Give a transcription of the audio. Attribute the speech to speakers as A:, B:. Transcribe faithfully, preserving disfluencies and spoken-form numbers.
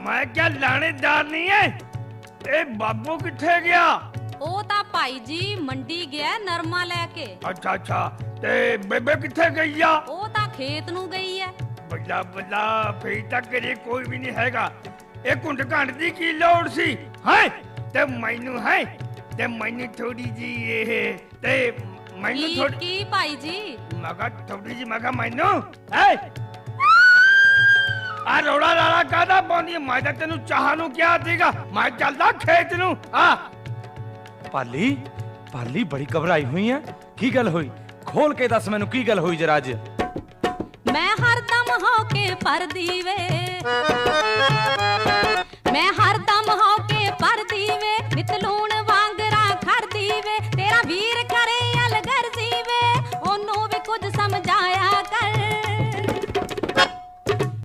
A: मैं क्या लानेदार नहीं है? ए बाबू किथे गया?
B: ਉਹ ਤਾਂ ਭਾਈ ਜੀ ਮੰਡੀ ਗਿਆ ਨਰਮਾ ਲੈ ਕੇ।
A: अच्छा अच्छा ते बेबे किथे गई आ?
B: ਉਹ ਤਾਂ ਖੇਤ ਨੂੰ ਗਈ ਐ।
A: बल्ला बल्ला फिर तक घरे कोई भी नहीं हैगा। ए कुंड घंट दी की लोड़ सी है ते मैनू है ते मैनू थोड़ी जी ये ते मैनू
B: ਕੀ
A: थोड़ी
B: ਕੀ ਭਾਈ ਜੀ?
A: मगा थोड़ी जी मगा मैनू है आ रोड़ा लाला कादा पाउंदी मैं तां तेनू चाह नू क्या सीगा मैं चलदा खेत नू आ
C: पाली पाली बड़ी घबराई हुई है की गल हुई खोल के दस मैनू की गल हुई जरा अज
B: ਮੈਂ ਹਰਦਮ ਹੋ ਕੇ ਪਰਦੀ ਵੇ